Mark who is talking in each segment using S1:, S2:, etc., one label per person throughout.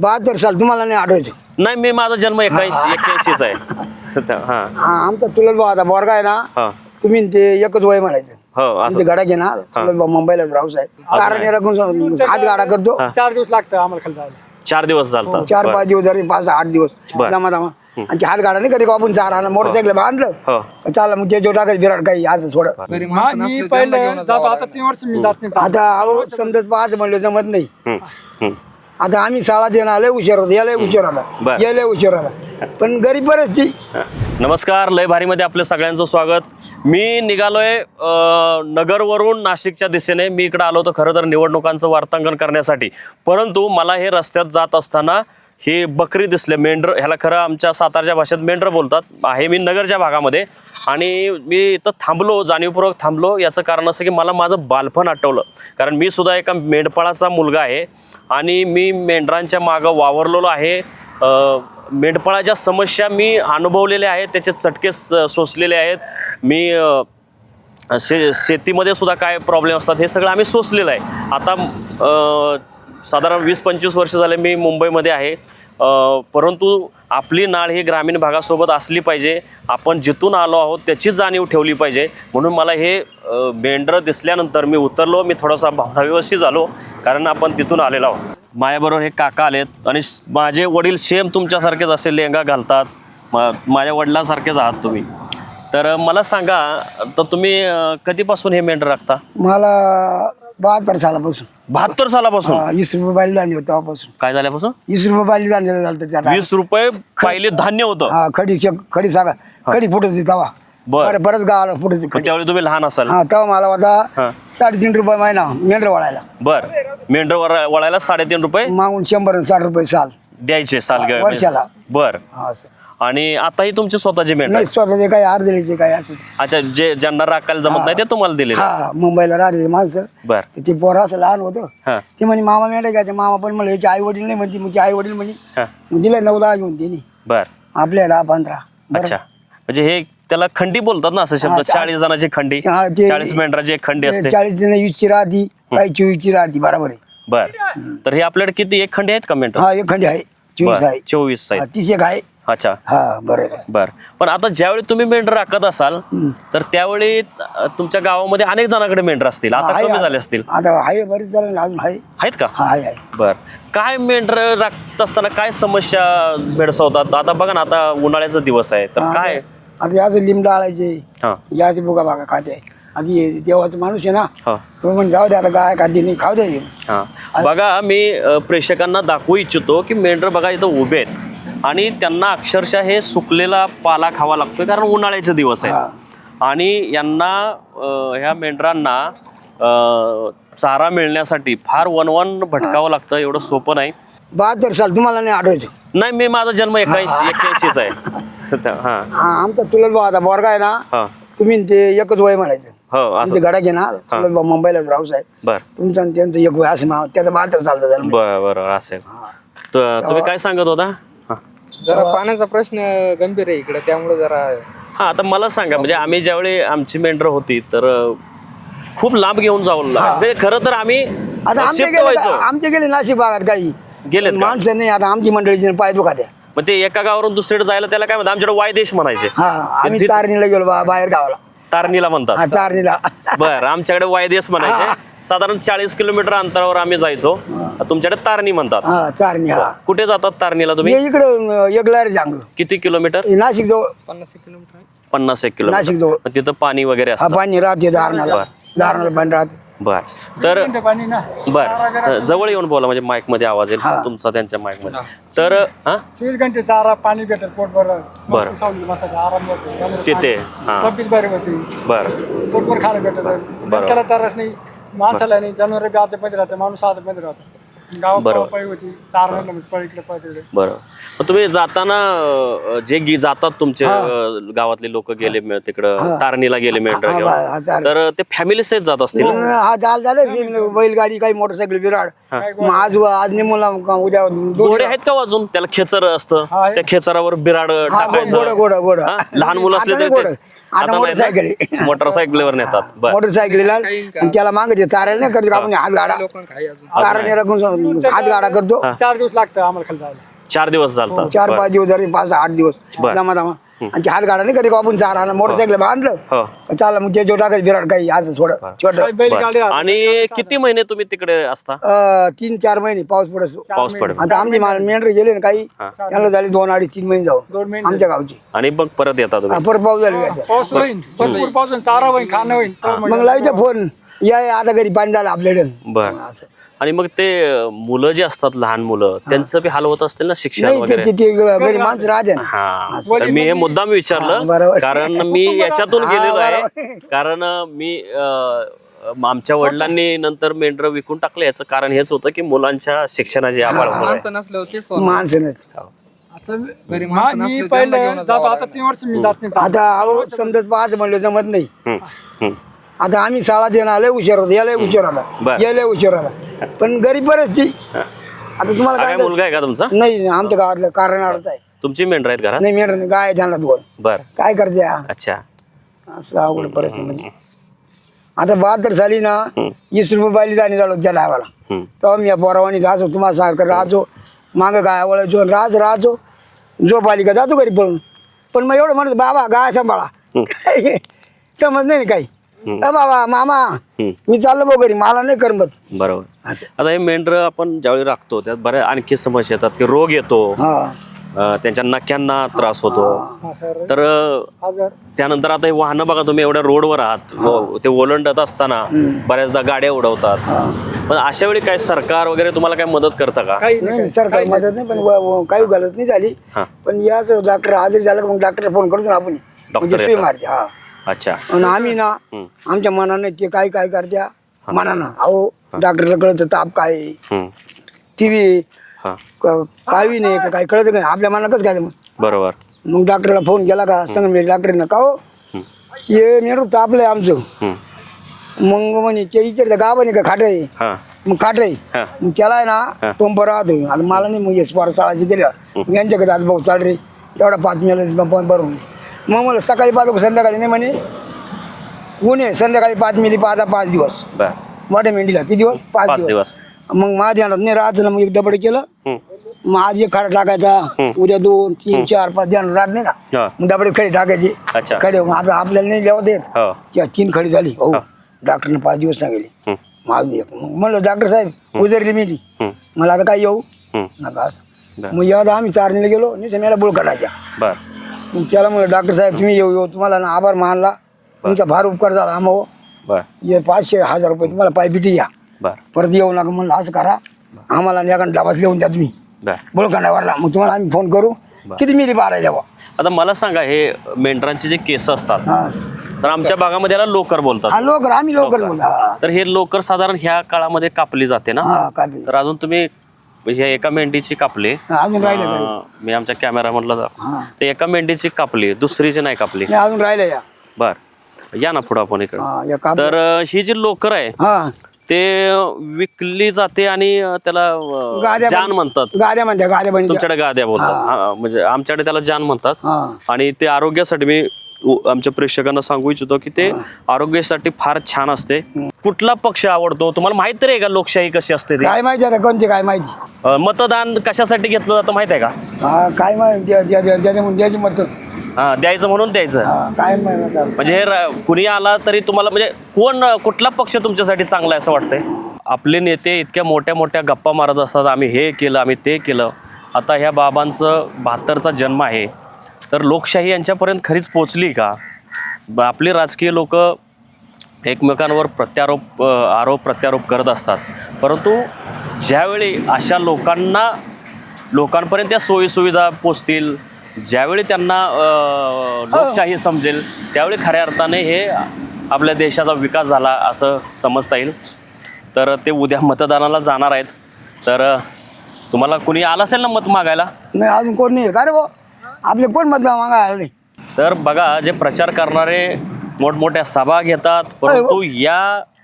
S1: 72 साल तुम्हाला नाही आठवायचं?
S2: नाही, मी माझा जन्म 81 आहे सध्या. हा
S1: आमचा चुलत भाऊ आता बोरगा आहे ना,
S2: हा
S1: तुम्ही ते एकच वय म्हणायचं.
S2: हो असं
S1: ते गाडा घे ना, चुलत भाऊ मुंबईला राहूस आहे, कारण राखून हात गाडा करतो.
S3: 4 दिवस लागतं आम्हाला खाली जायला.
S2: 4 दिवस चालतात.
S1: 4-5 दिवस जरी 5-8 दिवस
S2: बरं.
S1: दमा आणि ते हात गाडा नाही कधी आपण 4 आणलं मोटरसायकल बांधलं
S2: हो
S1: चाललं, मग त्याच्यावर टाकायचं बिराड काही असं थोडं.
S3: मी पहिलं जातो, आता 3 वर्ष मी जात नाही.
S1: आता अहो समजत पाच म्हणलं जमत नाही.
S2: हम्म, हम्म.
S1: आता आम्ही शाळा देणं आले उशीर होता, याला उशीर
S2: बरं.
S1: आला, याला उशीर आला, पण गरीब परिस्थिती.
S2: नमस्कार, लय भारीमध्ये आपल्या सगळ्यांचं स्वागत. मी निघालोय नगरवरून नाशिकच्या दिशेने. मी इकडे आलो होतो खरं तर निवडणुकांचं वार्तांकन करण्यासाठी, परंतु मला हे रस्त्यात जात असताना हे बकरी दिसले, मेंढर, ह्याला खरं आमच्या सातारच्या भाषेत मेंढर बोलतात. आहे मी नगरच्या भागामध्ये आणि मी इथं थांबलो, जाणीवपूर्वक थांबलो. याचं कारण असं की मला माझं बालपण आठवलं, कारण मी सुद्धा एका मेंढपाळाचा मुलगा आहे आणि मी मेंढरांच्या मागं वावरलेलो आहे. मेंढपाळाच्या समस्या मी अनुभवलेल्या आहेत, त्याचे चटके सोसलेले आहेत. मी शेतीमध्ये सुद्धा काय प्रॉब्लेम असतात हे सगळं आम्ही सोसलेलं आहे. आता साधारण 20-25 वर्ष झाले मी मुंबईमध्ये आहे, परंतु आपली नाळ ही ग्रामीण भागासोबत असली पाहिजे. आपण जिथून आलो आहोत त्याची जाणीव ठेवली पाहिजे. म्हणून मला हे मेंढर दिसल्यानंतर मी उतरलो. मी थोडासा भावनाविवशी झालो, कारण आपण तिथून आलेलो आहोत. माझ्याबरोबर हे काका आलेत आणि माझे वडील सेम तुमच्यासारखेच असे लेंगा घालतात. माझ्या वडिलांसारखेच आहात तुम्ही. तर मला सांगा, तर तुम्ही कधीपासून हे मेंढर राखता?
S1: मला 72 सालापासून.
S2: 72 सालापासून?
S1: 20 रुपये बायली धान्य होतं तेव्हापासून.
S2: काय झाल्यापासून?
S1: 20 रुपये बायली धान्य झालं.
S2: 20 रुपये पाहिले धान्य होतं?
S1: हा, खडी सागा खडी फुटत होती तेव्हा.
S2: बरं.
S1: परत गावाला फुटत होती खडी.
S2: त्यावेळी तुम्ही लहान असाल?
S1: हा, तेव्हा मला होता
S2: हा.
S1: 3.5 रुपये महिना मेंढर वळायला.
S2: बर, मेंढर वळायला 3.5 रुपये
S1: मागून 100-60 रुपये साल
S2: द्यायचे साल
S1: वर्षाला.
S2: बर.
S1: हा, असं
S2: आणि आताही तुमचे स्वतःचे मेंढर?
S1: नाही, स्वतःचे काही अर्धेचे काही असं.
S2: अच्छा, जे ज्यांना राखायला जमत नाही ते तुम्हाला दिले?
S1: हा, मुंबईला राहते माणसं.
S2: बर.
S1: ते पोरं असं लहान होतं,
S2: हा
S1: ते म्हणे मामा मेंढ्या घ्यायचे. मामा पण म्हणलं याचे आई वडील नाही म्हणते, मग आई वडील म्हणे
S2: हा.
S1: दिला 9-10 घेऊन त्यांनी,
S2: बर.
S1: आपल्या 10-15.
S2: अच्छा, म्हणजे हे त्याला खंडी बोलतात ना, असं शब्द? 40 जणांची खंडी, 40 मेंढराची एक खंडी असते.
S1: 40 जण 20ची राहती, काही 24ची राहती. बरोबर आहे.
S2: बर. तर हे आपल्याकडे किती, एक खंडी आहेत का मेंढर?
S1: हा, एक खंडी आहे, 24 आहे.
S2: 24
S1: हा,
S2: आहेत.
S1: 30 एक आहे.
S2: अच्छा,
S1: हा, बरोबर.
S2: बर. पण आता ज्यावेळी तुम्ही मेंढर राखत असाल तर त्यावेळी तुमच्या गावामध्ये अनेक जणांकडे मेंढर असतील, आता
S1: आहे,
S2: कमी झाले असतील?
S1: आता आहे, बरेच जण अजून आहे.
S2: आहेत का?
S1: हा, आहे.
S2: बर. काय मेंढर राखत असताना काय समस्या भेडसावतात? आता बघा ना, आता उन्हाळ्याचा दिवस आहे, तर काय?
S1: आता याचं लिंब डाळायचे,
S2: हा
S1: याचे बुगा बागा खाते. आता हे देवाचा माणूस आहे ना,
S2: हा
S1: तो म्हणजे जाऊ दे, आता गाय खाते नाही, खाऊ दे.
S2: हा. बघा, मी प्रेक्षकांना दाखवू इच्छितो की मेंढर बघा इथं उभे आहेत आणि त्यांना अक्षरशः हे सुकलेला पाला खावा लागतोय, कारण उन्हाळ्याचे दिवस आहेत. आणि यांना ह्या मेंढरांना चारा मिळण्यासाठी फार वनवन भटकावं लागतं. एवढं सोपं नाही.
S1: 72 साल तुम्हाला नाही आठवायचं?
S2: नाही, मी माझा जन्म 81 आहे सध्या. हा
S1: हा, आमचा चुलत भाऊ आता बोरगा आहे ना,
S2: हा
S1: तुम्ही ते एकच वय म्हणायचं.
S2: हो असं.
S1: ते गाडा घे ना, चुलत भाऊ मुंबईला राहूस आहे,
S2: बर.
S1: तुमचं आणि त्यांचं एक वय असं त्याचा 72 सालचा जन्म.
S2: बरं बरं, असेल. तर तुम्ही काय सांगत होता? हा
S4: जरा पाण्याचा प्रश्न गंभीर आहे इकडे, त्यामुळे जरा.
S2: हा, आता मला सांगा, म्हणजे आम्ही ज्यावेळी आमची मेंढर होती तर खूप लांब घेऊन जाऊन लागले. खरं तर आम्ही
S1: आता आमचे गेले नाशिक भागात काही
S2: गेलेत का?
S1: माणसं नाही. आता आमची मंडळीची पाय दुखात्या.
S2: मग ते एका गावावरून दुसरीकडे जायला त्याला काय म्हणतात? आमच्याकडे वायदेश म्हणायचे.
S1: हा, आम्ही तारणीला गेलो बाहेर गावाला.
S2: तारणीला म्हणतात?
S1: हा, तारणीला.
S2: बर, आमच्याकडे वायदेश म्हणायचे. साधारण 40 किलोमीटर अंतरावर आम्ही जायचो. तुमच्याकडे तारणी म्हणतात?
S1: हा, तारणी. हा,
S2: कुठे जातात तारणीला तुम्ही?
S1: इकडं एकलार जांग.
S2: किती किलोमीटर?
S1: नाशिक जवळ.
S4: 50 किलोमीटर आहे.
S2: 50 किलोमीटर.
S1: नाशिक जवळ.
S2: मग तिथं पाणी वगैरे
S1: हा,
S2: असतं?
S1: पाणी राहते धारणाला. धारणाला पाणी राहते.
S2: बर. तर
S3: पाणी ना,
S2: बर, जवळ येऊन बोला म्हणजे माईक मध्ये आवाज येईल तुमचा त्यांच्या माईक मध्ये. तर हा
S3: 24 घंटे चारा पाणी भेटत, पोटभर
S2: बरं.
S3: सावली बसायचं, आराम होतो,
S2: तिथे. हा,
S3: तब्येत बरी होती,
S2: बर.
S3: पोटभर खायला भेटत. त्याला तरच नाही, माणसाला नाही, जनावर बी आता मध्ये राहते, माणूस आता मध्ये राहतो. गावात पळी होती, चार महिने पळ इकडे पळ तिकडे.
S2: बरं. मग तुम्ही जाताना जे जातात तुमचे गावातले लोक गेले तिकडं तारणीला गेले मेंढर घेऊन, तर ते फॅमिली सहित जात असतील?
S1: हा, झालं बैलगाडी काही मोटरसायकल विराड. मग आज नेमूला उद्या
S2: घोडे आहेत का वाजून? त्याला खेचर असतं, त्या खेचरावर बिराड टाकायचं.
S1: गोड
S2: हा? लहान मुलं असले
S1: आता
S2: तर
S1: गोड. आता मोटरसायकल आहे.
S2: मोटरसायकलीवर नेतात. बर
S1: मोटरसायकलीला आणि त्याला मागे चारायला नाही करतो आपण हात गाडा
S4: लोकांना काही अजून
S1: चाराने राखून हात गाडा करतो
S3: 4 दिवस लागतं आम्हाला खाली जायला.
S2: 4 दिवस चालतात.
S1: 4-5 दिवस जरी 5-8 दिवस
S2: बरं.
S1: दमा आणि ते हात गाडा नाही कधी आपण चारा मोटरसायकल बांधलं
S2: हो
S1: चालला मग त्याच्यावर टाकायचं बिराड काही असं थोडं छोटं
S3: काही बैलगाडी
S2: बर. आणि किती महिने तुम्ही तिकडे असता?
S1: 3-4 महिने पाऊस पडतो
S2: पाऊस पडेल
S1: आता आमची मेंढर गेले ना काही त्यांना झाले 2-2.5-3 महिने जाऊ
S3: 2 महिने
S1: आमच्या गावची
S2: आणि मग परत येता तुम्ही?
S1: परत पाऊस झाले याच्यात.
S3: पाऊस होईल भरपूर पाऊस होईल, चारा होईल, खाणं होईल तर मग
S1: मग लावायचा फोन या आता घरी पाणी झालं आपल्याकडे
S2: बर.
S1: असं
S2: आणि मग ते मुलं जे असतात लहान मुलं त्यांचं बी हाल होत असतील ना शिक्षण
S1: नाही
S2: वगैरे?
S1: ते घरी माणसं राहते ना
S2: हा तर मी हे मुद्दाम
S1: हा,
S2: विचारलं
S1: बरोबर.
S2: कारण मी याच्यातून गेलेलो आहे.
S1: बरोबर.
S2: कारण मी आमच्या वडिलांनी नंतर मेंढर विकून टाकलं. याचं कारण हेच होतं की मुलांच्या शिक्षणाची आभाळ होत आहे.
S4: माणसं नसल्यावर तेच होणार.
S1: माणसं नाही
S3: आता
S4: घरी
S3: मी
S4: माणसं नसले
S3: पहिलं
S4: त्यांना घेऊन
S3: जातो,
S4: जावं
S3: आता 3 वर्ष मी जात नाही.
S1: आता अहो समजत पाहायचं म्हणलं जमत नाही
S2: हम्म, हम्म.
S1: आता आम्ही शाळा देणं आले उशीर होता याला उशीर आला
S2: बरं.
S1: याला उशीर आला पण गरीब परिस्थिती आता तुम्हाला
S2: हा
S1: काय
S2: काय मुलगा आहे का तुमचा?
S1: नाही आमच्या गावातलं कारण अडच आहे
S2: तुमची मेंढर आहेत घरात?
S1: नाही मेंढर गाय आहे त्यांना 2
S2: बर.
S1: काय करते हा?
S2: अच्छा.
S1: असं अवघड परिस्थिती म्हणजे आता 72 साली ना 20 रुपये बायली जाणे झालो त्या डायवाला
S2: हम्म.
S1: तेव्हा मी या पोरावानी जायचो तुम्हाला सारखं राहतो मागं गाय वळायचो राहतो झोप आली का जातो घरी पळून पण मग एवढं म्हणत बाबा गाय सांभाळा समज नाही काही बाबा मामा मी चाललो भाऊ घरी मला नाही करमत
S2: बरोबर.
S1: असं
S2: आता हे मेंढर आपण ज्यावेळी राखतो त्यात बऱ्याच आणखी समस्या येतात की रोग येतो,
S1: हा
S2: त्यांच्या नक्यांना त्रास होतो.
S3: हा, सर.
S2: तर
S3: आजार
S2: त्यानंतर आता हे वाहनं बघा तुम्ही एवढ्या रोडवर आहात ते ओलांडत असताना बऱ्याचदा गाड्या उडवतात. पण अशा वेळी काय सरकार वगैरे तुम्हाला काय मदत करतं का?
S3: काही
S1: नाही सरकार मदत नाही पण काही गलत नाही झाली
S2: हा.
S1: पण याच डॉक्टर आजारी झालं का मग डॉक्टरला फोन करतो ना आपण म्हणजे सुई
S2: येतात.
S1: मारते हा
S2: अच्छा.
S1: आणि आम्ही ना आमच्या मनाने ते काय काय करत्या मनानं अहो डॉक्टरला कळतं ताप काय
S2: हम्म.
S1: टीव्ही
S2: हा
S1: काही नाही का काय कळतं काय आपल्या मनानं कसं काय मग
S2: बरोबर.
S1: मग डॉक्टरला फोन केला का सांग मी डॉक्टरनं का हो ये मेरू तापलंय आमचं
S2: हम्म.
S1: मग म्हणे ते विचारतं गावाने का खाट आहे
S2: हा
S1: मग खाट आहे
S2: हा
S1: मग त्याला आहे ना पंप राहतो आता मला नाही मग येस शाळाची दिल्या यांच्याकडे आज भाऊ चाल रे तेवढा 5 मिनिट भरून मग मला सकाळी 5 संध्याकाळी नाही म्हणे ऊन आहे संध्याकाळी 5 मिली 5 दिवस
S2: बर.
S1: मोठ्या मेंढीला किती दिवस 5
S2: 5
S1: दिवस
S2: दिवस.
S1: मग माझ्या ध्यानात नाही राहायचं ना मग एक डबड केलं
S2: हम्म.
S1: मग आज एक खाडा टाकायचा उद्या 2 3 4 5 ध्यान राहत नाही ना
S2: हा.
S1: मग डबडे खडी टाकायचे
S2: अच्छा.
S1: खडे मग आपल्याला नाही लिहावत येत
S2: हो.
S1: त्या 3 खडी झाली हो डॉक्टरने 5 दिवस सांगितले
S2: हम्म.
S1: मग अजून एक मग म्हणलं डॉक्टर साहेब उजरली मेली
S2: हम्म.
S1: मला आता काय येऊ
S2: हम्म.
S1: नका असं
S2: बरं.
S1: मग यादा आम्ही चारणीला गेलो नाही तर मला बुळ काढायच्या
S2: बर.
S1: मग त्याला म्हणलं डॉक्टर साहेब तुम्ही येऊ तुम्हाला ना आभार मानला तुमचा फार उपकार झाला आम्हा
S2: बर.
S1: ये 500-1000 रुपये तुम्हाला पायपिटी या
S2: बर.
S1: परत येऊ नका म्हणलं असं करा आम्हाला एका डाबात लिहून द्या तुम्ही
S2: बर.
S1: बुळखंडावरला मग तुम्हाला आम्ही फोन करू किती मिली बारा द्यावा
S2: आता मला सांगा हे मेंढरांचे जे केस असतात
S1: हा
S2: तर आमच्या भागामध्ये याला लोकर बोलतात.
S1: हा लवकर आम्ही लवकर बोला
S2: तर हे लोकर साधारण ह्या काळामध्ये कापली जाते ना?
S1: हा कापी
S2: तर अजून तुम्ही ह्या एका मेंढीची कापली,
S1: अजून राहिलं काय
S2: मी आमच्या कॅमेरा मधला
S1: हा
S2: ते एका मेंढीची कापली, दुसरीची नाही कापली.
S1: नाही अजून राहिलं या
S2: बर. या ना पुढं आपण इकडे.
S1: हा या काप
S2: तर ही जी लोकर आहे
S1: हा
S2: ते विकली जाते आणि त्याला
S1: गाद्या
S2: जान म्हणतात.
S1: गाड्या म्हणत्या गाड्या म्हणजे
S2: तुमच्याकडे गाद्या बोलतात. हा, म्हणजे आमच्याकडे त्याला जान म्हणतात.
S1: हा
S2: आणि ते आरोग्यासाठी मी आमच्या प्रेक्षकांना सांगू इच्छितो की ते आरोग्यासाठी फार छान असते. कुठला पक्ष आवडतो तुम्हाला माहित तरी आहे का? लोकशाही कशी असते ती?
S1: काय माहिती आता कोणते काय माहिती
S2: मतदान कशासाठी घेतलं जातं माहित आहे का?
S1: हा काय माहिती द्यायची मत
S2: हा द्यायचं म्हणून द्यायचं.
S1: हा काय माहिती आता.
S2: म्हणजे हे कुणी आला तरी तुम्हाला म्हणजे कुठला पक्ष तुमच्यासाठी चांगला आहे असं वाटतंय? आपले नेते इतक्या मोठ्या मोठ्या गप्पा मारत असतात, आम्ही हे केलं आम्ही ते केलं. आता ह्या बाबांचं 72चा जन्म आहे तर लोकशाही यांच्यापर्यंत खरीच पोचली का? आपले राजकीय लोक एकमेकांवर आरोप प्रत्यारोप करत असतात, परंतु ज्यावेळी अशा लोकांपर्यंत त्या सोयीसुविधा पोचतील, ज्यावेळी त्यांना लोकशाही समजेल, त्यावेळी खऱ्या अर्थाने हे आपल्या देशाचा विकास झाला असं समजता येईल. तर ते उद्या मतदानाला जाणार आहेत. तर तुम्हाला कुणी आलं असेल ना मत मागायला?
S1: नाही अजून कोण नाही का रे भाऊ आपले कोण मत मागायला नाही.
S2: तर बघा जे प्रचार करणारे मोठमोठ्या सभा घेतात, परंतु या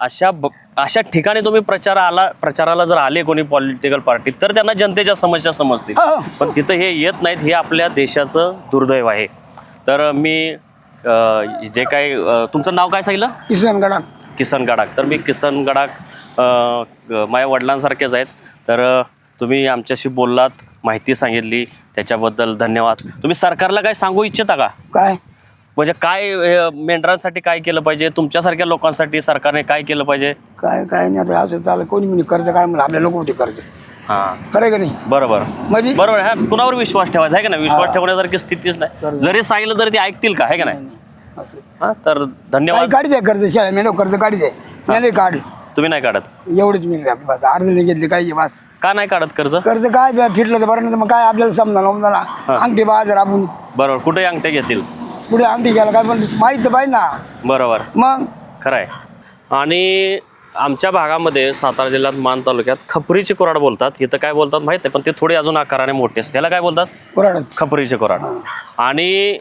S2: अशा ठिकाणी तुम्ही प्रचाराला जर आले कोणी पॉलिटिकल पार्टी तर त्यांना जनतेच्या समस्या समजतील,
S1: हो.
S2: पण तिथं हे येत नाहीत. हे आपल्या देशाचं दुर्दैव आहे. तर मी जे काही तुमचं नाव काय सांगितलं?
S1: किसनगडा.
S2: किसन गडाख. तर मी किसन गडाख माझ्या वडिलांसारखेच आहेत. तर तुम्ही आमच्याशी बोललात, माहिती सांगितली, त्याच्याबद्दल धन्यवाद. तुम्ही सरकारला काय सांगू इच्छिता का?
S1: काय
S2: म्हणजे काय मेंढरांसाठी काय केलं पाहिजे, तुमच्यासारख्या लोकांसाठी सरकारने काय केलं पाहिजे?
S1: काय काय नाही आता असं चाललं. कोणी म्हणे कर्ज काय म्हणलं, आपल्या लोक होते कर्ज.
S2: हां,
S1: खरं का नाही?
S2: बरोबर
S1: म्हणजे
S2: बरोबर. ह्या कुणावर विश्वास ठेवायचा आहे का नाही? विश्वास ठेवण्यासारखी स्थितीच नाही. जरी सांगितलं तरी ते ऐकतील का, आहे का नाही?
S1: असं
S2: हां, तर धन्यवाद.
S1: काढी द्या कर्ज, शाळा मेंढ कर्ज काढी द्या. मी नाही काढलं,
S2: तुम्ही नाही काढत
S1: एवढीच मिळते आपली बस. अर्धले घेतले काही बस.
S2: का नाही काढत कर्ज?
S1: कर्ज काय फिटलं तर बरं, नाही तर मग काय आपल्याला समजा अंगठी बाजार आपण
S2: बरोबर, कुठे अंगठे घेतील?
S1: पुढे अंगठी घ्यायला काय पण माहित तर पाहिजे ना.
S2: बरोबर,
S1: मग
S2: खरं आहे. आणि आमच्या भागामध्ये सातारा जिल्ह्यात मान तालुक्यात खपरीचे कोराड बोलतात. इथं काय बोलतात माहित नाही, पण ते थोडी अजून आकाराने मोठे असते. त्याला काय बोलतात?
S1: कोराडच.
S2: खपरीचे कोराड. आणि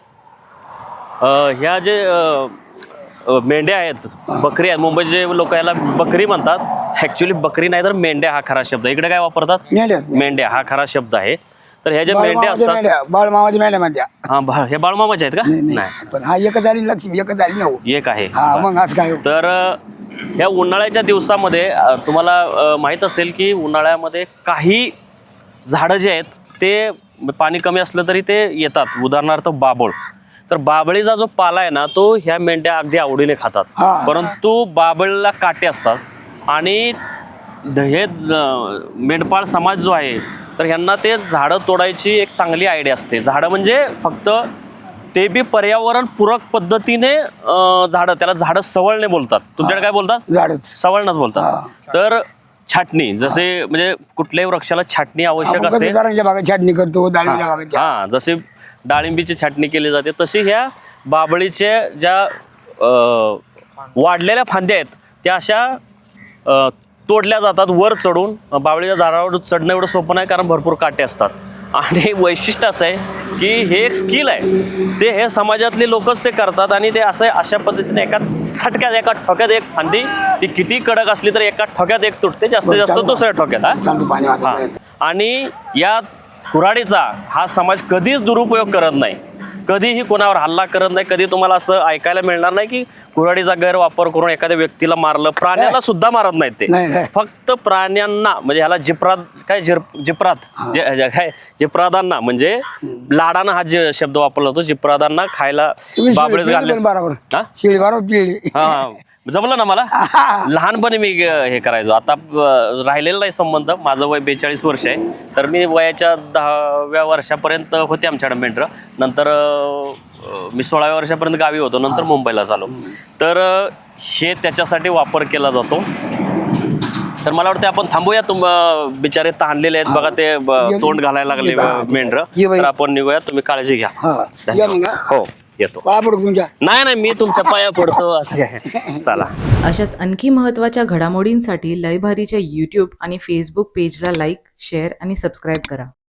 S2: ह्या जे मेंढ्या आहेत, बकरी आहेत, मुंबईचे लोक याला बकरी म्हणतात. ॲक्च्युली बकरी नाही तर मेंढ्या हा खरा शब्द. इकडे काय वापरतात?
S1: मेंढ्या.
S2: मेंढ्या हा खरा शब्द आहे. तर ह्या ज्या मेंढ्या असतात,
S1: बाळमामाच्या मेंढ्या म्हणत्या.
S2: हा, हे बाळमामाचे आहेत का? नाही,
S1: पण हा एकच आली लक्ष्मी, एकच आली ना.
S2: एक आहे.
S1: हा मग असं काय.
S2: तर ह्या उन्हाळ्याच्या दिवसामध्ये तुम्हाला माहीत असेल की उन्हाळ्यामध्ये काही झाडं जे आहेत ते पाणी कमी असलं तरी ते येतात. उदाहरणार्थ बाबळ. तर बाबळीचा जो पाला आहे ना, तो ह्या मेंढ्या अगदी आवडीने खातात. परंतु बाबळीला काटे असतात. आणि हे मेंढपाळ समाज जो आहे, तर ह्यांना ते झाडं तोडायची एक चांगली आयडिया असते. झाडं म्हणजे फक्त ते बी पर्यावरण पूरक पद्धतीने झाडं, त्याला झाडं सवळणे बोलतात. तुमच्याकडे काय बोलतात?
S1: झाडच
S2: सवळणच बोलतात. तर छाटणी, जसे म्हणजे कुठल्याही वृक्षाला छाटणी आवश्यक असते.
S1: भागात छाटणी करतो, डाळिंबीच्या भागात.
S2: हा, जसे डाळिंबीची छाटणी केली जाते, तशी ह्या बाबळीचे ज्या वाढलेल्या फांद्या आहेत त्या अशा तोडल्या जातात वर चढून. बाबळीच्या झाडावर चढणं एवढं सोपं नाही, कारण भरपूर काटे असतात. आणि वैशिष्ट्य असं आहे की हे एक स्किल आहे, ते हे समाजातले लोकच ते करतात. आणि ते असं अशा पद्धतीने एका झटक्यात, एका ठोक्यात एक फांदी, ती किती कडक असली तर एका ठोक्यात एक तुटते, जास्तीत जास्त दुसऱ्या ठोक्यात. हा, आणि या कुऱ्हाडीचा हा समाज कधीच दुरुपयोग करत नाही, कधीही कोणावर हल्ला करत नाही. कधी तुम्हाला असं ऐकायला मिळणार नाही की कुऱ्हाडीचा गैरवापर करून एखाद्या व्यक्तीला मारलं. प्राण्यांना सुद्धा मारत नाहीत ते, फक्त प्राण्यांना, म्हणजे ह्याला जिप्रात काय काय जिप्रादांना, म्हणजे लाडानं हा जे शब्द वापरला जातो, जिप्रादांना खायला बाबळीच घालले. हा, जमलं ना मला. लहानपणी मी हे करायचो. आता राहिलेला नाही संबंध. माझं वय 42 वर्ष आहे. तर मी वयाच्या 10व्या वर्षापर्यंत होते आमच्याकडे मेंढरं. नंतर मी 16व्या वर्षापर्यंत गावी होतो. नंतर मुंबईला झालो. तर हे त्याच्यासाठी वापर केला जातो. तर मला वाटतं आपण थांबूया. बिचारे ताणलेले आहेत बघा, ते तोंड घालायला लागले मेंढरं. तर आपण निघूया. तुम्ही काळजी घ्या. हो, येतो. नाही, मी तुमच्या पाया पडतो. असं काय, चला.
S5: अशाच आणखी महत्त्वाच्या घडामोडींसाठी लयभारीच्या यूट्यूब आणि फेसबुक पेजला लाईक, शेअर आणि सबस्क्राईब करा.